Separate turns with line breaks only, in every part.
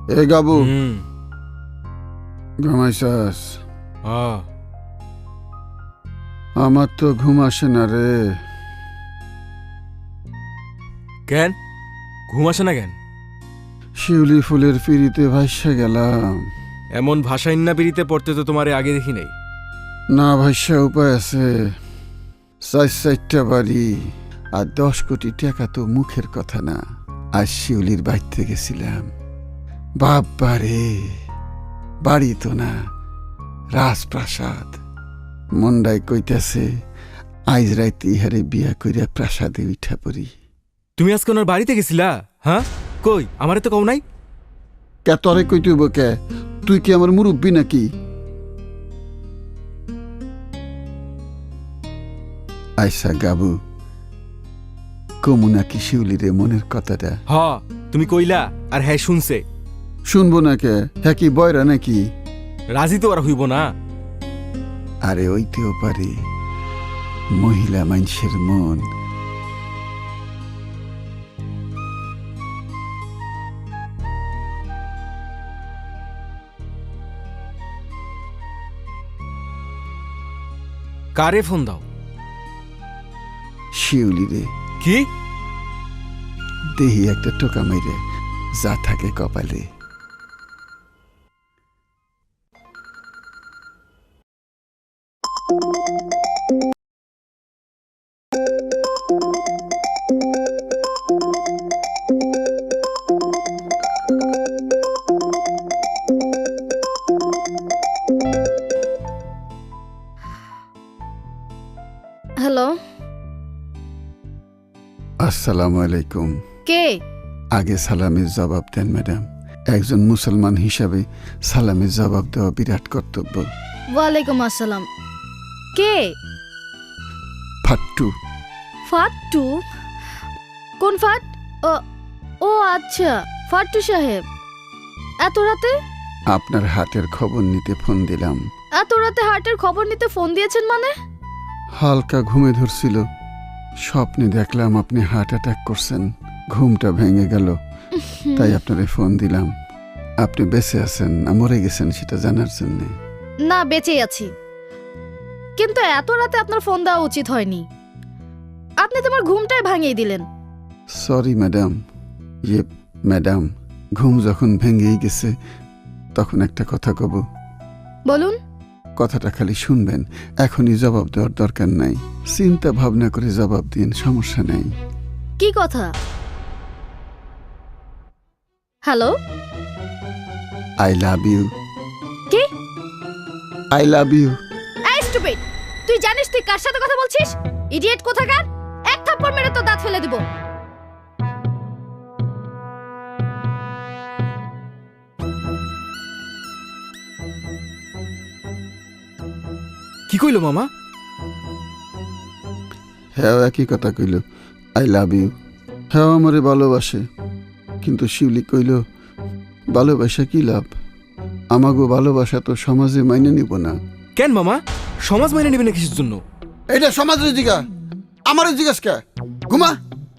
এ গাবু ঘুমাইছাস? আমার তো ঘুম আসে না রে।
কেন ঘুম আসে না কেন?
শিউলি ফুলের পিড়িতে ভাইসা গেলাম।
এমন ভাষাইন্না পিড়িতে পড়তে তো তোমারে আগে দেখি নাই।
না ভাইসা উপায় আছে। 4 বাড়ি আর 10 কোটি টাকা তো মুখের কথা না। আজ শিউলির বাড়িতে গেছিলাম। বাবা রে, বাড়ি তো না, রাজপ্রাসাদ। মন্ডাই কইতাছে আইজ রাইতে ইহারে বিয়া কইরা প্রাসাদে উঠা পড়ি।
তুমি আজকে ওনার বাড়িতে গেছিলা? হ্যাঁ, কই আমারে তো কও নাই।
কে তরে কইতেইব কে? তুই কি আমার মুরব্বী নাকি? আইসা গাবু, কমু নাকি শিউলিরে মনের কথাটা?
হ, তুমি কইলা আর হ্যাঁ শুনছে।
শুনবো না কে? হ্যাঁ কি বয়রা নাকি?
রাজি তো আর হইব না।
আরে ওইতেও পারে, মহিলা মানুষের মন।
কারে ফোন দাও?
শিউলিরে।
কি?
দেহি একটা টোকা মেরে যা থাকে কপালে।
হ্যালো,
আসসালামু আলাইকুম।
কে?
আগে সালামের জবাব দেন ম্যাডাম। একজন মুসলমান হিসাবে সালামের জবাব দেওয়া বিরাট কর্তব্য।
ওয়ালাইকুম আসসালাম। কে?
ফাট্টু।
ফাট্টু? কোন ফাট? ও আচ্ছা, ফাট্টু সাহেব। এত রাতে?
আপনার হাটের খবর নিতে ফোন দিলাম।
এত রাতে হার্টের খবর নিতে ফোন দিয়েছেন মানে?
হালকা ঘুমে ধরছিল, স্বপ্নে দেখলাম আপনি হার্ট অ্যাটাক করছেন। ঘুমটা ভেঙে গেল, তাই আপনারে ফোন দিলাম। আপনি বেঁচে আছেন না মরে গেছেন সেটা জানার জন্য।
না, বেঁচেই আছি, কিন্তু এত রাতে আপনার ফোন দেওয়া উচিত হয়নি। আপনি তোমার ঘুমটাই ভাঙিয়ে দিলেন।
Sorry madam. ম্যাডাম, ঘুম যখন ভেঙেই গেছে তখন একটা কথা কব।
বলুন।
কথাটা খালি শুনবেন, এখনই জবাব দেওয়ার দরকার নাই। চিন্তা ভাবনা করে জবাব দিন, সমস্যা নেই।
কি কথা? Hello,
I love you.
কি?
I love you.
এই স্টুপিড, তুই জানিস তুই কার সাথে কথা বলছিস? ইডিয়েট কোথাকার! এক থাপ্পড় মেরে তো দাঁত ফেলে দিব।
কি কইলো মামা?
হ্যাঁ, একই কথা কইল, আই লাভ ইউ। হ্যাঁ, আমারে ভালোবাসে, কিন্তু শিউলি কইল ভালোবাসা কি লাভ? আমাগো ভালোবাসা তো সমাজে মাইনে নিব না।
কেন মামা, সমাজ মাইনে নিবে না কিসের জন্য?
এটা সমাজের জিগা, আমারও জিজ্ঞাস কে? ঘুমা।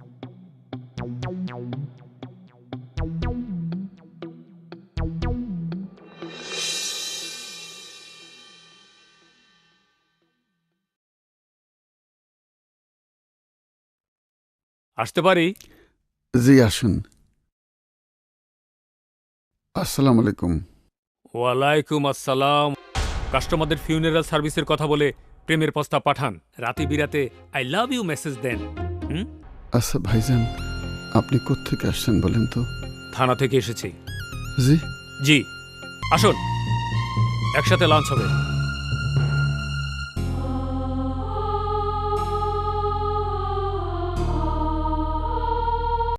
আসতে পারি?
জি আসুন। আসসালামু আলাইকুম।
ওয়ালাইকুম আসসালাম। কাস্টমারদের ফিউনারাল সার্ভিসের কথা বলে প্রেমের প্রস্তাব পাঠান, রাতে বিরাতে আই লাভ ইউ মেসেজ দেন।
আচ্ছা ভাইজান, আপনি কোত্থেকে আসছেন বলেন তো?
থানা থেকে এসেছি।
জি।
জি, আসুন, একসাথে লাঞ্চ হবে।